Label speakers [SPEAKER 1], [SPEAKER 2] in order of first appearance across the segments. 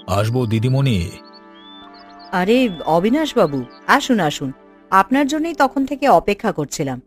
[SPEAKER 1] আসবো দিদিমণি।
[SPEAKER 2] আরে অবিনাশ বাবু, আসুন আসুন, আপনার জন্যই তখন থেকে অপেক্ষা করছিলাম।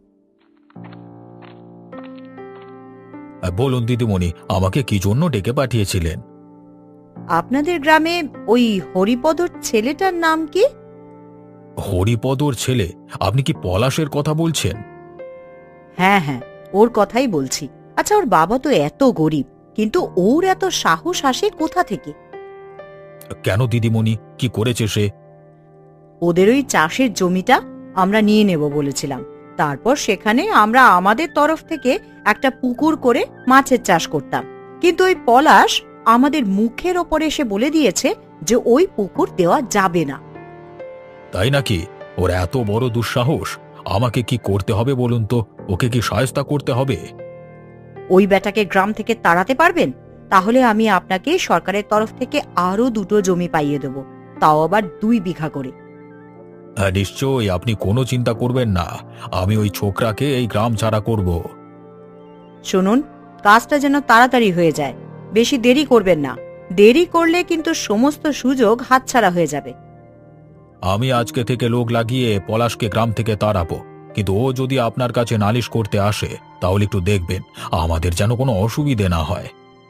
[SPEAKER 1] বলুন দিদিমণি, আমাকে কি জন্য ডেকে পাঠিয়েছিলেন?
[SPEAKER 2] আপনাদের গ্রামে ওই হরিপদর ছেলেটার নাম কি?
[SPEAKER 1] হরিপদর ছেলে? আপনি কি পলাশের কথা বলছেন?
[SPEAKER 2] হ্যাঁ হ্যাঁ, ওর কথাই বলছি। আচ্ছা, ওর বাবা তো এত গরিব, কিন্তু ওর এত সাহস আসে কোথা থেকে?
[SPEAKER 1] কেন দিদিমণি, কি করেছে সে?
[SPEAKER 2] ওদের ওই চাষের জমিটা আমরা নিয়ে নেব বলেছিলাম। তারপর সেখানে আমরা আমাদের তরফ থেকে একটা পুকুর করে মাছের চাষ করতাম। কিন্তু ওই পলাশ আমাদের মুখের ওপরে এসে বলে দিয়েছে যে ওই পুকুর দেওয়া যাবে না।
[SPEAKER 1] তাই নাকি? ওর এত বড় দুঃসাহস! আমাকে কি করতে হবে বলুন তো? ওকে কি শায়েস্তা করতে হবে?
[SPEAKER 2] ওই বেটাকে গ্রাম থেকে তাড়াতে পারবেন? তাহলে আমি আপনাকে সরকারের তরফ থেকে আরো 2টো জমি পাইয়ে দেব, তাও আবার 2 বিঘা করে।
[SPEAKER 1] হ্যাঁ, নিশ্চয়ই, আপনি কোনো চিন্তা করবেন না। আমি ওই ছোকরাকে এই গ্রাম ছাড়া করব।
[SPEAKER 2] শুনুন, কাজটা যেন তাড়াতাড়ি হয়ে যায়, বেশি দেরি করবেন না। দেরি করলে কিন্তু সমস্ত সুযোগ হাতছাড়া হয়ে যাবে।
[SPEAKER 1] আমি আজকে থেকে লোক লাগিয়ে পলাশকে গ্রাম থেকে তাড়াবো। কিন্তু ও যদি আপনার কাছে নালিশ করতে আসে, তাহলে একটু দেখবেন আমাদের যেন কোনো অসুবিধে না হয়।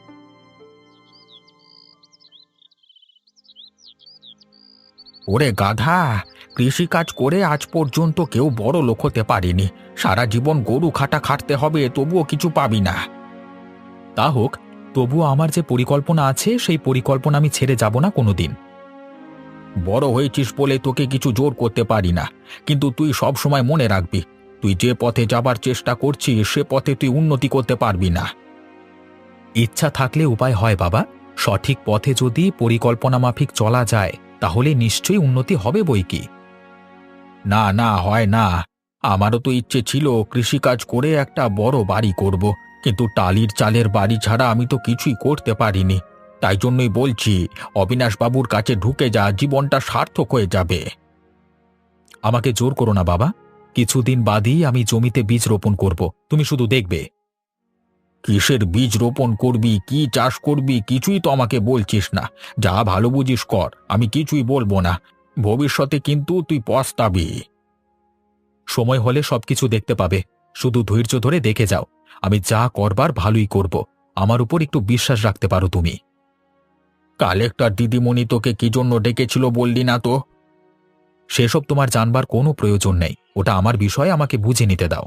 [SPEAKER 1] ওরে গাধা! কৃষিকাজ করে আজ পর্যন্ত কেউ বড় লোক হতে পারেনি। সারা জীবন গরু খাটতে হবে, তবুও কিছু পাবি না। তা হোক, তবুও আমার যে পরিকল্পনা আছে সেই পরিকল্পনা আমি ছেড়ে যাব না কোনোদিন। বড় হয়েছিস বলে তোকে কিছু জোর করতে পারি না, কিন্তু তুই সব সময় মনে রাখবি, তুই যে পথে যাবার চেষ্টা করছিস সে পথে তুই উন্নতি করতে পারবি না। ইচ্ছা থাকলে উপায় হয় বাবা। সঠিক পথে যদি পরিকল্পনা মাফিক চলা যায়, তাহলে নিশ্চয়ই উন্নতি হবে বইকি। না না, হয় না। আমারও তো ইচ্ছে ছিল কৃষিকাজ করে একটা বড় বাড়ি করব, কিন্তু টালির চালের বাড়ি ছাড়া আমি তো কিছুই করতে পারিনি। তাই জন্যই বলছি, অবিনাশবাবুর কাছে ঢুকে যা, জীবনটা সার্থক হয়ে যাবে। আমাকে জোর করো না বাবা। কিছুদিন বাদই আমি জমিতে বীজ রোপণ করব, তুমি শুধু দেখবে। কিসের বীজ রোপণ করবি, কি চাষ করবি, কিছুই তো আমাকে বলছিস না। যা ভালো বুঝিস কর, আমি কিছুই বলবো না। ভবিষ্যতে কিন্তু তুই পস্তাবি। সময় হলে সবকিছু দেখতে পাবে। শুধু ধৈর্য ধরে দেখে যাও। আমি যা করবার ভালোই করব। আমার উপর একটু বিশ্বাস রাখতে পারো তুমি। কালেক্টর দিদিমণি তোকে কি জন্য ডেকেছিল বললি না তো? সেসব তোমার জানবার কোনো প্রয়োজন নেই। ওটা আমার বিষয়, আমাকে বুঝে নিতে দাও।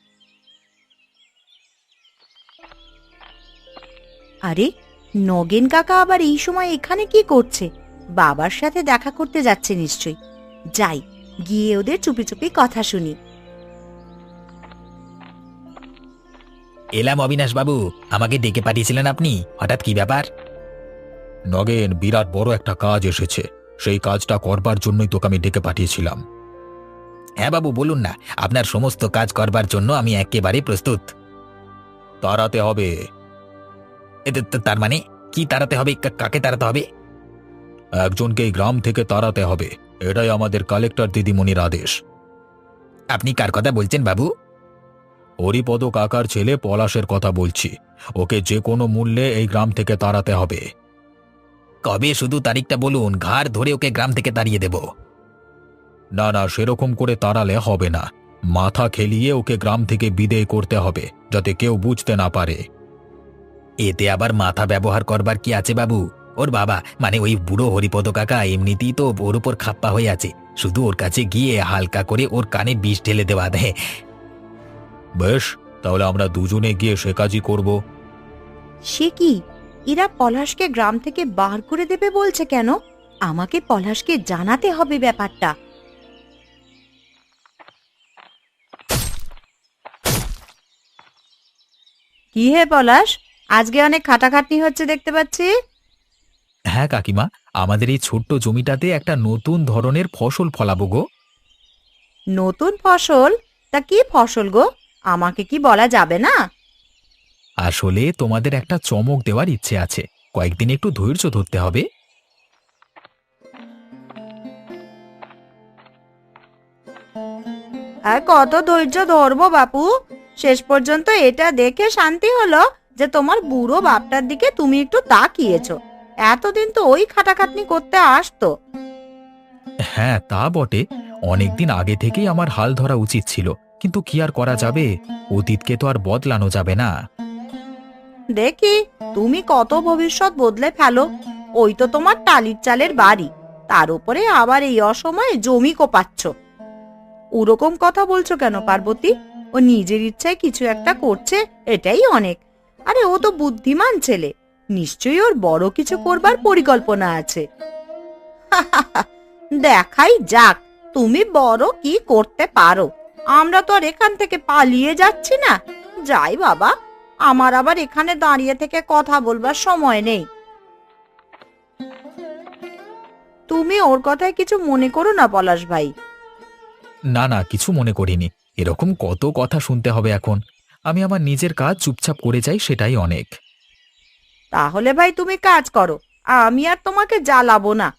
[SPEAKER 2] আরে, নগেন কাকা আবার এই সময় এখানে কি করছে? বাবার সাথে দেখা করতে যাচ্ছে নিশ্চয়ই। যাই, গিয়ে ওদের চুপি চুপি কথা শুনি।
[SPEAKER 3] এলাম অবিনাশবাবু, আমাকে ডেকে পাঠিয়েছিলেন আপনি? হঠাৎ কি ব্যাপার?
[SPEAKER 1] নগেন, বিরাট বড় একটা কাজ এসেছে। সেই কাজটা করবার জন্যই তোকে আমি ডেকে পাঠিয়েছিলাম।
[SPEAKER 3] হ্যাঁ বাবু, বলুন না। আপনার সমস্ত কাজ করবার জন্য আমি একেবারে প্রস্তুত।
[SPEAKER 1] তাড়াতে হবে।
[SPEAKER 3] তার মানে কি তাড়াতে হবে? কাকে তাড়াতে হবে?
[SPEAKER 1] একজনকে এই গ্রাম থেকে তাড়াতে হবে। এটাই আমাদের কালেক্টর দিদিমণির আদেশ।
[SPEAKER 3] আপনি কার কথা বলছেন বাবু?
[SPEAKER 1] হরিপদ কাকার ছেলে পলাশের কথা বলছি। ওকে যে কোনো মূল্যে এই গ্রাম থেকে তাড়াতে হবে।
[SPEAKER 3] কবে শুধু তারিখটা বলুন, ঘাড় ধরে ওকে গ্রাম থেকে তাড়িয়ে দেব।
[SPEAKER 1] না না, সেরকম করে তাড়ালে হবে না। মাথা খেলিয়ে ওকে গ্রাম থেকে বিদেয় করতে হবে, যাতে কেউ বুঝতে না পারে।
[SPEAKER 3] এতে আবার মাথা ব্যবহার করবার কি আছে বাবু? ওর বাবা মানে ওই বুড়ো হরিপদ কাকা এমনিতেই তো ওর উপর খাপ্পা হয়ে আছে। শুধু ওর কাছে গিয়ে হালকা করে ওর কানে বিষ ঢেলে দেওয়া দেয়।
[SPEAKER 1] বেশ, তাহলে আমরা দুজনে গিয়ে সে কাজই করব।
[SPEAKER 2] সে কি, এরা পলাশকে গ্রাম থেকে বার করে দেবে বলছে কেন? আমাকে পলাশকে জানাতে হবে ব্যাপারটা। কি হে পলাশ, আজকে অনেক খাটাখাটনি হচ্ছে দেখতে পাচ্ছি।
[SPEAKER 1] হ্যাঁ কাকিমা, আমাদের এই ছোট্ট জমিটাতে একটা নতুন ধরনের ফসল ফলাবো গো।
[SPEAKER 2] নতুন ফসল? তা কি ফসল গো? আমাকে কি বলা যাবে না?
[SPEAKER 1] আসলে তোমাদের একটা চমক দেওয়ার ইচ্ছে আছে। কয়েকদিন একটু ধৈর্য ধরতে হবে।
[SPEAKER 2] আর কত ধৈর্য ধরবো বাপু? শেষ পর্যন্ত এটা দেখে শান্তি হলো যে তোমার বুড়ো বাপটার দিকে তুমি একটু তাকিয়েছো। এতদিন তো ওই খাটাখাটনি করতে আসতো।
[SPEAKER 3] হ্যাঁ তা বটে, অনেকদিন আগে থেকেই আমার হাল ধরা উচিত ছিল, কিন্তু কি আর করা যাবে, অতীতকে তো আর বদলানো যাবে না।
[SPEAKER 2] দেখি তুমি কত ভবিষ্যৎ বদলে ফেলো। ওই তো তোমার টালির চালের বাড়ি, তার উপরে আবার এই অসময়ে জমি কোপাচ্ছ। ওরকম কথা বলছো কেন পার্বতী? ও নিজের ইচ্ছায় কিছু একটা করছে, এটাই অনেক। আরে ও তো বুদ্ধিমান ছেলে, নিশ্চয়ই ওর বড় কিছু করবার পরিকল্পনা আছে। দেখাই যাক তুমি বড় কি করতে পারো। আমরা তো আর এখান থেকে পালিয়ে যাচ্ছি না। যাই বাবা, আমার আবার এখানে দাঁড়িয়ে থেকে কথা বলবার সময় নেই। তুমি ওর কথায় কিছু মনে করো না পলাশ ভাই।
[SPEAKER 3] না না, কিছু মনে করিনি। এরকম কত কথা শুনতে হবে এখন? আমি আমার নিজের কাজ চুপচাপ করে যাই, সেটাই অনেক।
[SPEAKER 2] তাহলে ভাই তুমি কাজ করো, আমি আর তোমাকে জ্বালাবো না।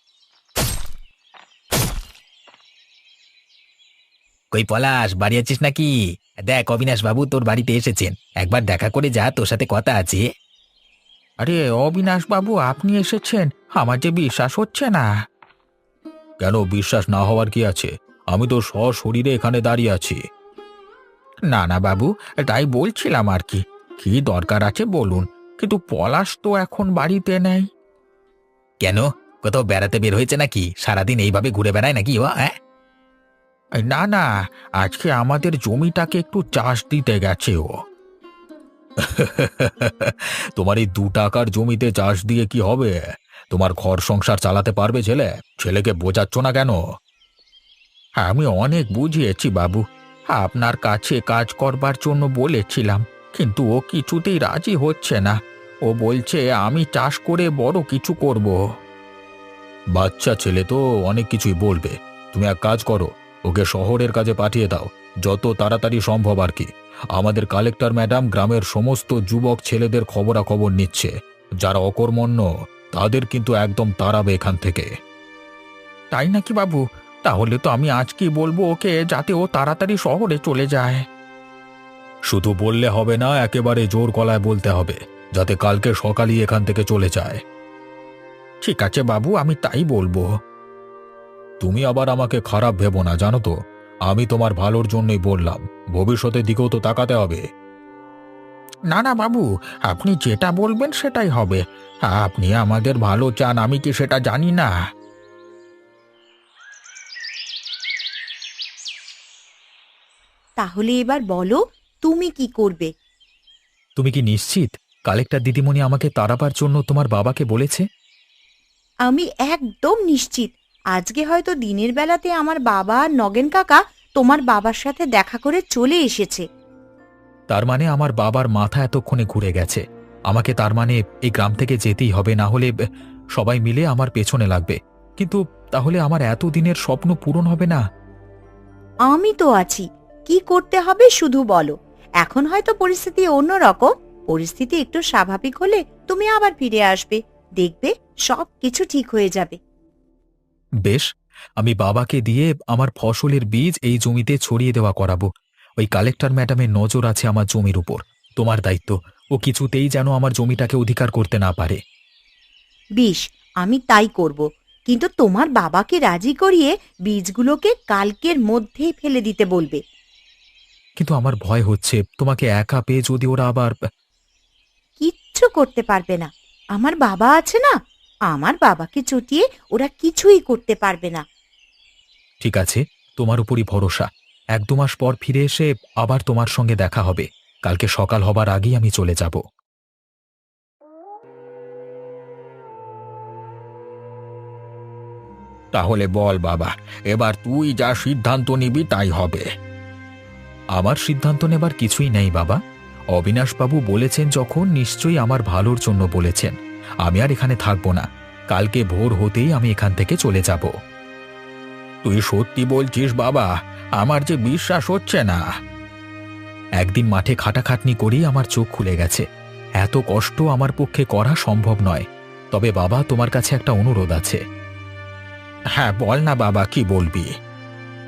[SPEAKER 3] কই পলাশ, বাড়ি আছিস নাকি? দেখ অবিনাশ বাবু তোর বাড়িতে এসেছেন, একবার দেখা করে যা, তোর সাথে কথা আছে।
[SPEAKER 1] আরে অবিনাশ বাবু, আপনি এসেছেন? আমার যে বিশ্বাস হচ্ছে না।
[SPEAKER 3] কেন বিশ্বাস না হওয়ার কি আছে? আমি তো সশরীরে এখানে দাঁড়িয়ে আছি।
[SPEAKER 1] না না বাবু, তাই বলছিলাম আর কি। কি দরকার আছে বলুন, কিন্তু পলাশ তো এখন বাড়িতে নেই।
[SPEAKER 3] কেন, কোথাও বেড়াতে বের হয়েছে নাকি? সারাদিন এইভাবে ঘুরে বেড়ায় নাকি ও? হ্যাঁ,
[SPEAKER 1] এই না না, আজকে আমাদের জমিটাকে একটু চাষ দিতে গেছে ও।
[SPEAKER 3] তোমার এই 2 টাকার জমিতে চাষ দিয়ে কি হবে? তোমার ঘর সংসার চালাতে পারবে ছেলে? ছেলেকে বোঝাচ্ছ না কেন?
[SPEAKER 1] আমি অনেক বুঝিয়েছি বাবু, আপনার কাছে কাজ করবার জন্য বলেছিলাম, কিন্তু ও কিছুতেই রাজি হচ্ছে না। ও বলছে আমি চাষ করে বড় কিছু করব।
[SPEAKER 3] বাচ্চা ছেলে তো অনেক কিছুই বলবে। তুমি এক কাজ করো, ওকে শহরের কাজে পাঠিয়ে দাও, যত তাড়াতাড়ি সম্ভব আর কি। আমাদের কালেক্টর ম্যাডাম গ্রামের সমস্ত যুবক ছেলেদের খবরাখবর নিচ্ছে। যারা অকর্মণ্য তাদের কিন্তু একদম তাড়াবে এখান থেকে।
[SPEAKER 1] তাই নাকি বাবু? তাহলে তো আমি আজকেই বলবো ওকে, যাতে ও তাড়াতাড়ি শহরে চলে যায়।
[SPEAKER 3] শুধু বললে হবে না, একেবারে জোর গলায় বলতে হবে, যাতে কালকে সকালই এখান থেকে চলে যায়।
[SPEAKER 1] ঠিক আছে বাবু, আমি তাই বলবো।
[SPEAKER 3] তুমি আবার আমাকে খারাপ ভেবো না, জানো তো, আমি তোমার ভালোর জন্যই বললাম। ভবিষ্যতের দিকেও তো তাকাতে হবে।
[SPEAKER 1] না না বাবু, আপনি যেটা বলবেন সেটাই হবে। আপনি আমাদের ভালো চান, আমি কি সেটা জানি না?
[SPEAKER 2] তাহলে এবার বলো তুমি কি করবে?
[SPEAKER 3] তুমি কি নিশ্চিত কালেক্টর দিদিমণি আমাকে তাড়াবার জন্য তোমার বাবাকে বলেছে?
[SPEAKER 2] আমি একদম নিশ্চিত। আজকে হয়তো দিনের বেলাতে আমার বাবা আর নগেন কাকা তোমার বাবার সাথে দেখা করে চলে এসেছে।
[SPEAKER 3] তার মানে আমার বাবার মাথা এতক্ষণে ঘুরে গেছে। আমাকে তার মানে এই গ্রাম থেকে যেতেই হবে, না হলে সবাই মিলে আমার পেছনে লাগবে। কিন্তু তাহলে আমার এতদিনের স্বপ্ন পূরণ হবে না।
[SPEAKER 2] আমি তো আছি, কি করতে হবে শুধু বলো। এখন হয়তো পরিস্থিতি অন্যরকম, পরিস্থিতি একটু স্বাভাবিক হলে তুমি আবার ফিরে আসবে, দেখবে সব কিছু ঠিক হয়ে যাবে।
[SPEAKER 3] বেশ, আমি বাবাকে দিয়ে আমার ফসলের বীজ এই জমিতে ছড়িয়ে দেওয়া করাবো। ওই কালেক্টর ম্যাডামের নজর আছে আমার জমির উপর। তোমার দায়িত্ব, ও কিছুতেই যেন আমার জমিটাকে অধিকার করতে না পারে।
[SPEAKER 2] বেশ, আমি তাই করব, কিন্তু তোমার বাবাকে রাজি করিয়ে বীজগুলোকে কালকের মধ্যেই ফেলে দিতে বলবে।
[SPEAKER 3] কিন্তু আমার ভয় হচ্ছে, তোমাকে একা পেয়ে যদি ওরা আবার।
[SPEAKER 2] কিচ্ছু করতে পারবে না, আমার বাবা আছে না। আমার বাবাকে চটিয়ে ওরা কিছুই করতে পারবে না।
[SPEAKER 3] ঠিক আছে, তোমার উপরই ভরসা। 1-2 মাস পর ফিরে এসে আবার তোমার সঙ্গে দেখা হবে। কালকে সকাল হবার আগেই আমি চলে যাব।
[SPEAKER 1] তাহলে বল বাবা, এবার তুই যা সিদ্ধান্ত নিবি তাই হবে।
[SPEAKER 3] আমার সিদ্ধান্ত নেবার কিছুই নেই বাবা। অবিনাশবাবু বলেছেন যখন, নিশ্চয়ই আমার ভালোর জন্য বলেছেন। আমি আর এখানে থাকবো না। কালকে ভোর হতেই আমি এখান থেকে চলে যাব।
[SPEAKER 1] তুই সত্যি বলছিস বাবা? আমার যে বিশ্বাস হচ্ছে না।
[SPEAKER 3] একদিন মাঠে খাটাখাটনি করেই আমার চোখ খুলে গেছে। এত কষ্ট আমার পক্ষে করা সম্ভব নয়। তবে বাবা, তোমার কাছে একটা অনুরোধ আছে।
[SPEAKER 1] হ্যাঁ বল না বাবা, কি বলবি?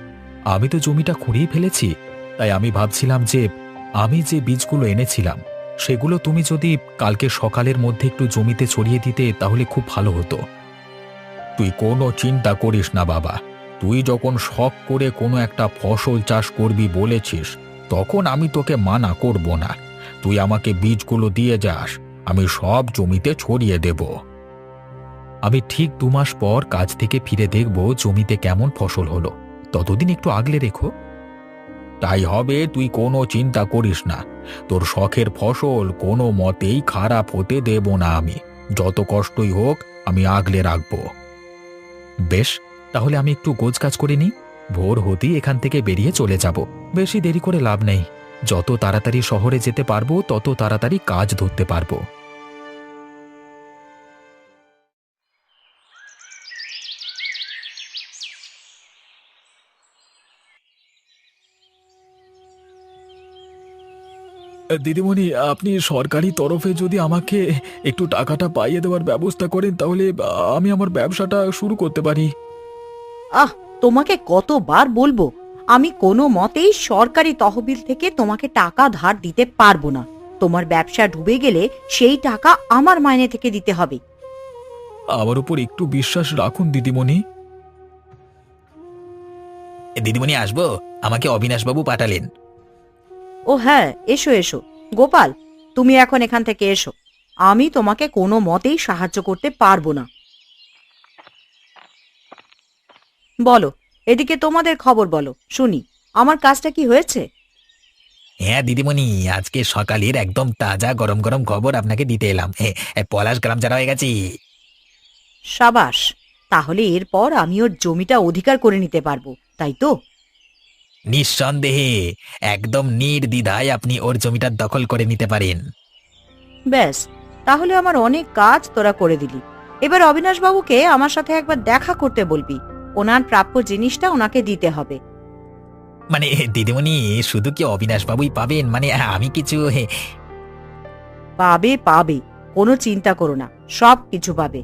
[SPEAKER 3] আমি তো জমিটা খুঁড়িয়ে ফেলেছি, তাই আমি ভাবছিলাম যে আমি যে বীজগুলো এনেছিলাম
[SPEAKER 1] সেগুলো তুমি যদি কালকে সকালের মধ্যে একটু জমিতে ছড়িয়ে দিতে তাহলে খুব ভালো হতো। তুই কোনো চিন্তা করিস না বাবা, তুই যখন শখ করে কোনো একটা ফসল চাষ করবি বলেছিস, তখন আমি তোকে মানা করব না। তুই আমাকে বীজগুলো দিয়ে যাস, আমি সব জমিতে ছড়িয়ে দেব। আমি ঠিক 2 মাস পর কাজ থেকে ফিরে দেখব জমিতে কেমন ফসল হলো। ততদিন একটু আগলে রেখো। তাই হবে, তুই কোনো চিন্তা করিস না। তোর শখের ফসল কোনো মতেই খারাপ হতে দেব না আমি। যত কষ্টই হোক আমি আগলে রাখবো। বেশ, তাহলে আমি একটু গোছগাছ করে নিই। ভোর হতেই এখান থেকে বেরিয়ে চলে যাব। বেশি দেরি করে লাভ নেই। যত তাড়াতাড়ি শহরে যেতে পারবো তত তাড়াতাড়ি কাজ ধরতে পারবো। দিদিমণি, আপনি সরকারি তরফে যদি আমাকে একটু টাকাটা পাইয়ে দেওয়ার ব্যবস্থা করেন তাহলে আমি আমার ব্যবসাটা শুরু করতে পারি।
[SPEAKER 2] আহ, তোমাকে কতবার বলবো, আমি কোনো মতেই সরকারি তহবিল থেকে তোমাকে টাকা ধার দিতে পারবো না। তোমার ব্যবসা ডুবে গেলে সেই টাকা আমার মাইনে থেকে দিতে হবে।
[SPEAKER 1] আমার উপর একটু বিশ্বাস রাখুন দিদিমণি।
[SPEAKER 3] দিদিমণি, আসবো? আমাকে অবিনাশবাবু পাঠালেন।
[SPEAKER 2] ও হ্যাঁ, এসো এসো। গোপাল, তুমি এখন এখান থেকে এসো। আমি তোমাকে কোনো মতেই সাহায্য করতে পারবো না। বলো, এদিকে তোমাদের খবর বলো, শুনি। আমার কাজটা কি হয়েছে?
[SPEAKER 3] হ্যাঁ দিদিমণি, আজকে সকালের একদম তাজা গরম গরম খবর আপনাকে দিতে এলাম। পলাশ গ্রাম ছাড়া হয়ে গেছি।
[SPEAKER 2] সাবাস, তাহলে এরপর আমি ওর জমিটা অধিকার করে নিতে পারবো, তাই তো?
[SPEAKER 3] নিঃসন্দেহে, একদম নির্দ্বিধায় আপনি ওর জমিটা দখল করে নিতে পারেন।
[SPEAKER 2] ব্যাস, তাহলে আমার অনেক কাজ তোরা করে দিলি। এবার অবিনাশ বাবুকে আমার সাথে একবার দেখা করতে বলবি। ওনার প্রাপ্য জিনিসটা ওনাকে দিতে হবে।
[SPEAKER 3] মানে দিদিমণি, শুধু কি অবিনাশবাবুই পাবেন? মানে আমি কিছু
[SPEAKER 2] পাবে পাবে, কোনো চিন্তা করো না, সব কিছু পাবে।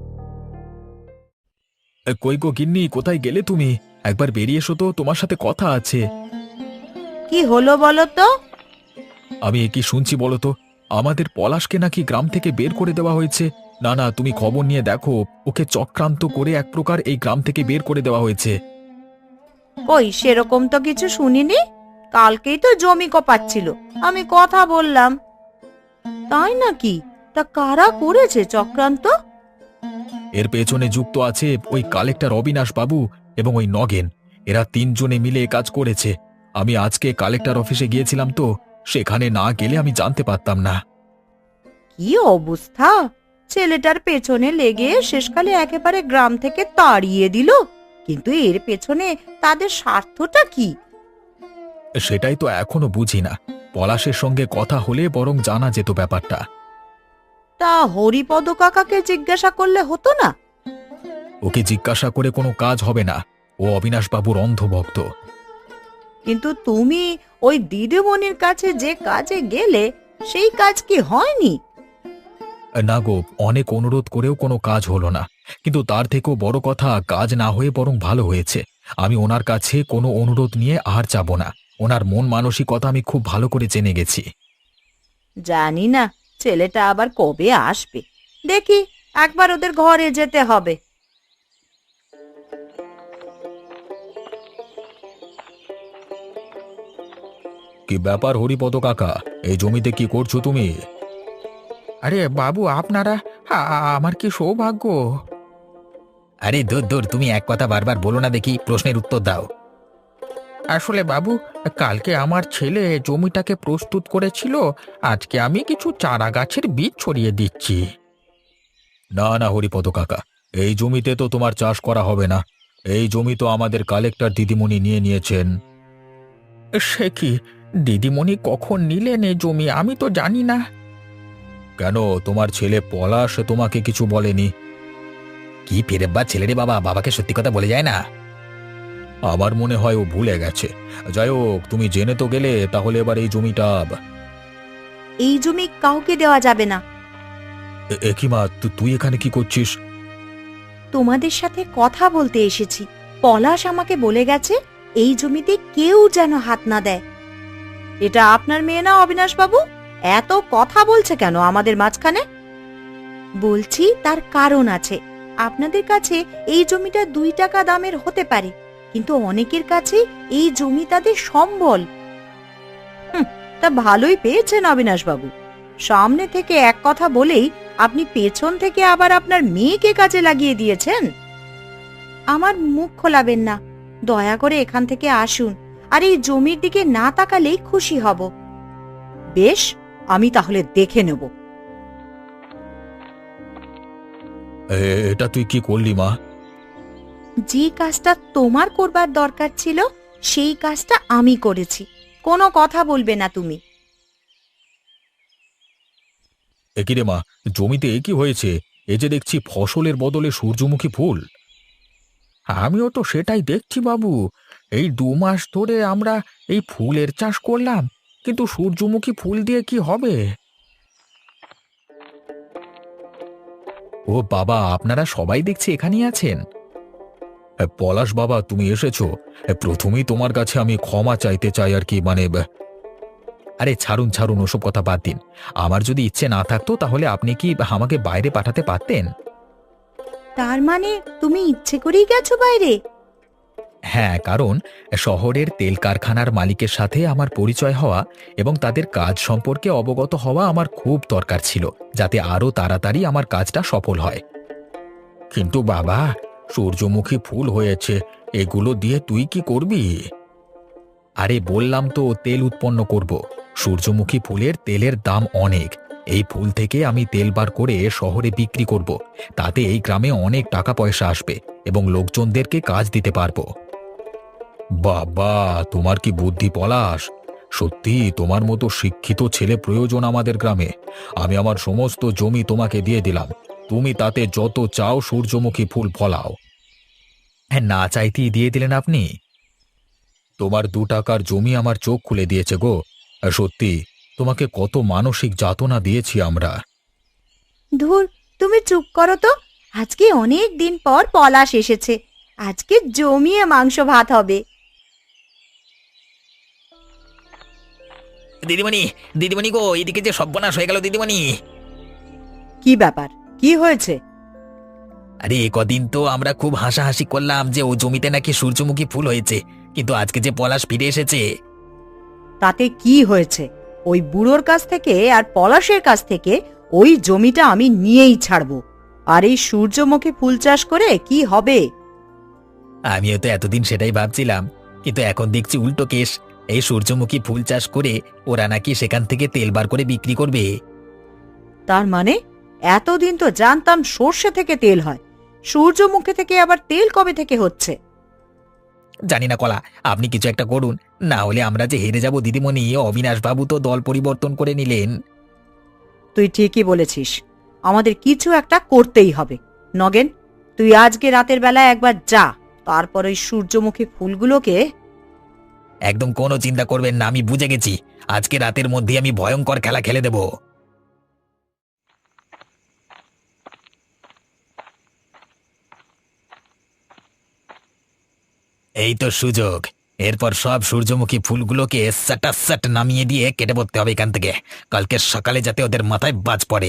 [SPEAKER 1] কই গো গিন্নি, কোথায় গেলে তুমি? একবার বেরিয়ে এসো তো, তোমার সাথে কথা আছে।
[SPEAKER 2] কি হলো বলো তো?
[SPEAKER 1] আমি কি শুনছি বলো তো? আমাদের পলাশকে নাকি গ্রাম থেকে বের করে দেওয়া হয়েছে। না না, তুমি খবর নিয়ে দেখো, ওকে চক্রান্ত করে এক প্রকার এই গ্রাম থেকে বের করে দেওয়া হয়েছে।
[SPEAKER 2] কই, সেরকম তো কিছু শুনিনি। কালকেই তো জমি কোপাচ্ছিল, আমি কথা বললাম। তাই নাকি? তা কারা করেছে চক্রান্ত?
[SPEAKER 1] এর পেছনে যুক্ত আছে ওই কালেক্টর অবিনাশ বাবু এবং ওই নগেন। এরা 3 জনে মিলে এ কাজ করেছে। আমি আজকে কালেক্টর অফিসে গিয়েছিলাম তো, সেখানে না গেলে আমি জানতে পারতাম না।
[SPEAKER 2] কি অবস্থা! ছেলেটার পেছনে লেগে শেষকালে একেবারে গ্রাম থেকে তাড়িয়ে দিল। কিন্তু এর পেছনে তাদের স্বার্থটা কি?
[SPEAKER 1] সেটাই তো এখনো বুঝি না। পলাশের সঙ্গে কথা হলে বরং জানা যেত ব্যাপারটা।
[SPEAKER 2] তা হরিপদ কাকাকে জিজ্ঞাসা করলে হতো না?
[SPEAKER 1] ওকে জিজ্ঞাসা করে কোনো কাজ হবে না। ও অবিনাশ বাবুর অন্ধভক্ত।
[SPEAKER 2] কিন্তু তুমি ওই দিদিমণির কাছে যে কাজে গেলে, সেই কাজ কি হয়নি?
[SPEAKER 1] না গো, অনেক অনুরোধ করেও কোনো কাজ হলো না। কিন্তু তার থেকেও বড় কথা, কাজ না হয়ে বরং ভালো হয়েছে। আমি ওনার কাছে কোনো অনুরোধ নিয়ে আর যাব না। ওনার মন মানসিকতা আমি খুব ভালো করে জেনে গেছি।
[SPEAKER 2] জানি না ছেলেটা আবার কবে আসবে। দেখি, একবার ওদের ঘরে যেতে হবে।
[SPEAKER 1] কি ব্যাপার হরিপদ কাকা, এই জমিতে কি করছো তুমি? আরে বাবু, আপনারা, আমার কি সৌভাগ্য!
[SPEAKER 3] আরে দূর দূর, তুমি এক কথা বারবার বলো না দেখি, প্রশ্নের উত্তর দাও।
[SPEAKER 1] আসলে বাবু, কালকে আমার ছেলে জমিটাকে প্রস্তুত করেছিল। আজকে আমি কিছু চারা গাছের বীজ ছড়িয়ে দিচ্ছি। না না হরিপদ কাকা, এই জমিতে তো তোমার চাষ করা হবে না। এই জমি তো আমাদের কালেক্টর দিদিমণি নিয়ে নিয়েছেন। সে কি? দিদিমণি কখন নিলেন এই জমি? আমি তো জানি না। কেন, তোমার ছেলে পলাশ তোমাকে কিছু বলেনি?
[SPEAKER 3] কি ফেরেব্বা ছেলে রে বাবা, বাবাকে সত্যি কথা বলে যায় না।
[SPEAKER 1] আমার মনে হয় ও ভুলে গেছে। যাই হোক, তুমি জেনে তো গেলে, তাহলে এবার এই জমিটা।
[SPEAKER 2] এই জমি কাউকে দেওয়া যাবে না।
[SPEAKER 1] একিমা, তুই এখানে কি করছিস?
[SPEAKER 2] তোমাদের সাথে কথা বলতে এসেছি। পলাশ আমাকে বলে গেছে এই জমিতে কেউ যেন হাত না দেয়। এটা আপনার মেয়ে না অবিনাশ বাবু? এত কথা বলছে কেন আমাদের মাঝখানে? বলছি তার কারণ আছে। আপনাদের কাছে এই জমিটা 2 টাকা দামের হতে পারে, কিন্তু অনেকের কাছে এই জমি তাদের সম্বল। তা ভালোই পেয়েছেন অবিনাশ বাবু। সামনে থেকে এক কথা বলেই আপনি পেছন থেকে আবার আপনার মেয়েকে কাজে লাগিয়ে দিয়েছেন। আমার মুখ খোলাবেন না, দয়া করে এখান থেকে আসুন, আর এই জমির দিকে না তাকালেই খুশি হব। বেশ, আমি তাহলে দেখে নেব।
[SPEAKER 1] এটা তুই কি করলি মা?
[SPEAKER 2] যে কাজটা তোমার করবার দরকার ছিল সেই কাজটা আমি করেছি। কোনো কথা বলবে না তুমি।
[SPEAKER 1] একি রে মা, জমিতে এ কি হয়েছে? এ যে দেখছি ফসলের বদলে সূর্যমুখী ফুল। আমিও তো সেটাই দেখছি বাবু। এই 2 মাস ধরে আমরা এই ফুলের চাষ করলাম, কিন্তু সূর্যমুখী ফুল দিয়ে কি হবে? ও বাবা, আপনারা সবাই দেখছি এখানেই আছেন। পলাশ বাবা, তুমি এসেছো। প্রথমেই তোমার কাছে আমি ক্ষমা চাইতে চাই আর কি, মানে আরে ছাড়ুন ছাড়ুন, ওসব কথা বাদ দিন। আমার যদি ইচ্ছে না থাকতো তাহলে আপনি কি আমাকে বাইরে পাঠাতে পারতেন?
[SPEAKER 2] তার মানে তুমি ইচ্ছে করেই গেছো বাইরে?
[SPEAKER 1] হ্যাঁ, কারণ শহরের তেল কারখানার মালিকের সাথে আমার পরিচয় হওয়া এবং তাদের কাজ সম্পর্কে অবগত হওয়া আমার খুব দরকার ছিল, যাতে আরো তাড়াতাড়ি আমার কাজটা সফল হয়। কিন্তু বাবা, সূর্যমুখী ফুল হয়েছে, এগুলো দিয়ে তুই কি করবি? আরে বললাম তো, তেল উৎপন্ন করব। সূর্যমুখী ফুলের তেলের দাম অনেক। এই ফুল থেকে আমি তেল বার করে শহরে বিক্রি করব। তাতে এই গ্রামে অনেক টাকা পয়সা আসবে এবং লোকজনদেরকে কাজ দিতে পারবো। বাবা, তোমার কি বুদ্ধি পলাশ! সত্যি তোমার মতো শিক্ষিত ছেলে প্রয়োজন আমাদের গ্রামে। আমি আমার সমস্ত জমি তোমাকে দিয়ে দিলাম, তুমি তাতে যত চাও সূর্যমুখী ফুল ফলাও। হ্যাঁ, না চাইতেই দিয়ে দিলেন আপনি। তোমার 2 টাকার জমি আমার চোখ খুলে দিয়েছে গো। আর সত্যি, তোমাকে কত মানসিক যাতনা দিয়েছি আমরা।
[SPEAKER 2] ধুর, তুমি চুপ করো তো। আজকে অনেক দিন পর পলাশ এসেছে, আজকে জমিয়ে মাংস ভাত হবে।
[SPEAKER 3] দিদিমণি, দিদিমণি গো, এদিকে যে সর্বনাশ হয়ে গেল দিদিমণি।
[SPEAKER 2] কি ব্যাপার? কি হয়েছে?
[SPEAKER 3] আরে কদিন তো আমরা খুব হাসাহাসি করলাম যে ও জমিতে নাকি সূর্যমুখী ফুল হয়েছে, কিন্তু আজকে যে পলাশ ফিরে এসেছে।
[SPEAKER 2] তাতে কি হয়েছে? ওই বুড়োর কাছ থেকে আর পলাশের কাছ থেকে ওই জমিটা আমি নিয়েই ছাড়বো। আর এই সূর্যমুখী ফুল চাষ করে কি হবে?
[SPEAKER 3] আমিও তো এতদিন সেটাই ভাবছিলাম, কিন্তু এখন দেখছি উল্টো কেস। এই সূর্যমুখী ফুল চাষ করে ওরা নাকি সেখান থেকে তেল বার করে বিক্রি করবে।
[SPEAKER 2] তার মানে এতদিন তো জানতাম সর্ষে থেকে তেল হয়, সূর্যমুখী থেকে আবার তেল কবে থেকে হচ্ছে?
[SPEAKER 3] জানি না কলা, আপনি কিছু একটা করুন, না হলে আমরা যে হেরে যাব দিদিমণি। অবিনাশ বাবু তো দল পরিবর্তন করে নিলেন।
[SPEAKER 2] তুই ঠিকই বলেছিস, আমাদের কিছু একটা করতেই হবে। নগেন, তুই আজকে রাতের বেলা একবার যা, তারপর ওই সূর্যমুখী ফুলগুলোকে।
[SPEAKER 3] একদম কোনো চিন্তা করবেন না, আমি বুঝে গেছি। আজকে রাতের মধ্যে আমি ভয়ঙ্কর খেলা খেলে দেব। এই তো সুযোগ। এরপর সব সূর্যমুখী ফুলগুলোকে সাটাসাট নামিয়ে দিয়ে কেটে পড়তে হবে এখান থেকে, কালকে সকালে যাতে ওদের মাথায় বাজ পড়ে।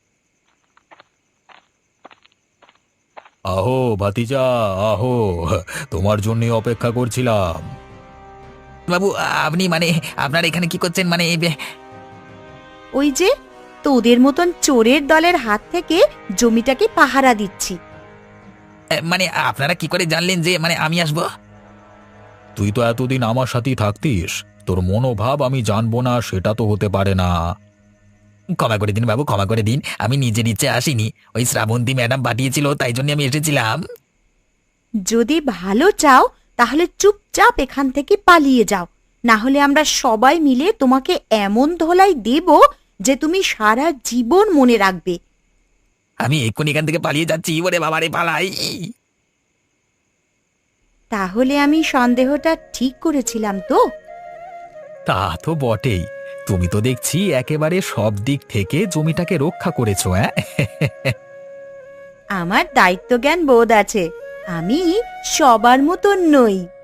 [SPEAKER 1] আহো ভাতিজা, আহো, তোমার জন্য অপেক্ষা করছিলাম।
[SPEAKER 3] বাবু, আপনি মানে আপনার এখানে কি করছেন? মানে
[SPEAKER 2] ওই যে তোদের মতন চোরের দলের হাত থেকে জমিটাকে পাহারা দিচ্ছি।
[SPEAKER 3] মানে আপনারা কি করে জানলেন যে মানে আমি আসবো?
[SPEAKER 1] তুই তো এতদিন আমার সাথেই থাকতিস, তোর মনোভাব আমি জানবো না সেটা তো হতে পারে না।
[SPEAKER 3] ক্ষমা করে দিন বাবু, ক্ষমা করে দিন। আমি নিজের ইচ্ছে আসিনি, ওই শ্রাবন্তী ম্যাডাম পাঠিয়েছিল, তাই জন্য আমি এসেছিলাম।
[SPEAKER 2] যদি ভালো চাও তাহলে চুপচাপ এখান থেকে পালিয়ে যাও, না হলে আমরা সবাই মিলে তোমাকে এমন ধোলাই দেব যে তুমি সারা জীবন মনে রাখবে।
[SPEAKER 3] আমি এক্ষুনি এখান থেকে পালিয়ে যাচ্ছি। ওরে বাবারে, পালাই।
[SPEAKER 2] তাহলে আমি সন্দেহটা ঠিক করেছিলাম তো?
[SPEAKER 1] তা তো বটেই, তুমি তো দেখছি একেবারে সব দিক থেকে জমিটাকে রক্ষা করেছো। হ্যাঁ,
[SPEAKER 2] আমার দায়িত্বজ্ঞান বোধ আছে, আমি সবার মতন নই।